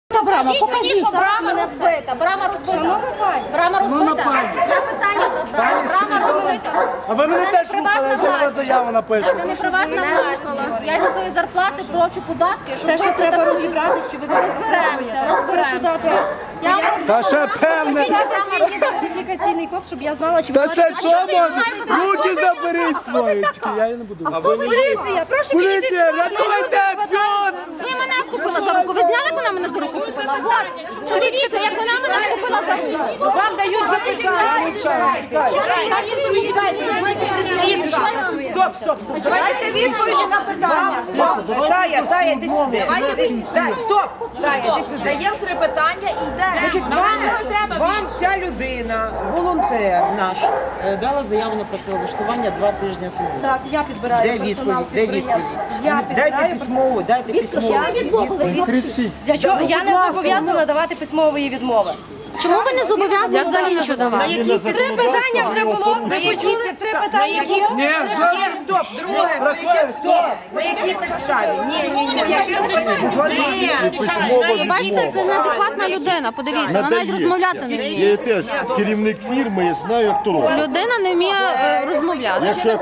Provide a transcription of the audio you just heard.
Покажіть мені, що брама розбита. Брама розбита. Брама розбита. Я питання задала. Брама розбита. А ви мене теж рухали, я ще на вас заяву напишу. Це не приватна власність. Я зі своєї зарплати плачу податки, щоб Те, що платити треба свої. розібрати, що ви не Розберемося. Я вам Та ще певне. свій ідентифікаційний код, щоб я знала, чи Та ви ще що це може? займається? Руки заберіть свої. Чекай, я її не буду. поліція, прошу Поліція, рятуйте, Пьот! Ви мене вхопила за руку. Ви зняли, як вона мене за руку вхопила? От. Подивіться, як вона мене вхопила за руку. Вам дають запитання. Стоп. Дайте відповіді на питання. Зая, йди сюди. Стоп. Зая, йди сюди. Даємо 3 питання і йдемо. Значить, вам ця людина, волонтер наш, дала заяву на працевлаштування 2 тижні тому. Так, я підбираю Де персонал відповідь? Де підприємства. відповідь? Я Дайте підбираю. письмову, дайте письмову. Для чого? Я не будь ласка, зобов'язана давати письмової відмови. Чому ви не зобов'язані взагалі нічого давати? 3 питання вже було. Ви почули 3 питання? Ні, вже. Ні, стоп, друге. Стоп. На якій підставі? Ні. Бачите, це неадекватна людина. Подивіться, вона навіть розмовляти не вміє. Я теж керівник фірми, я знаю, як то робить. Людина не вміє розмовляти. Якщо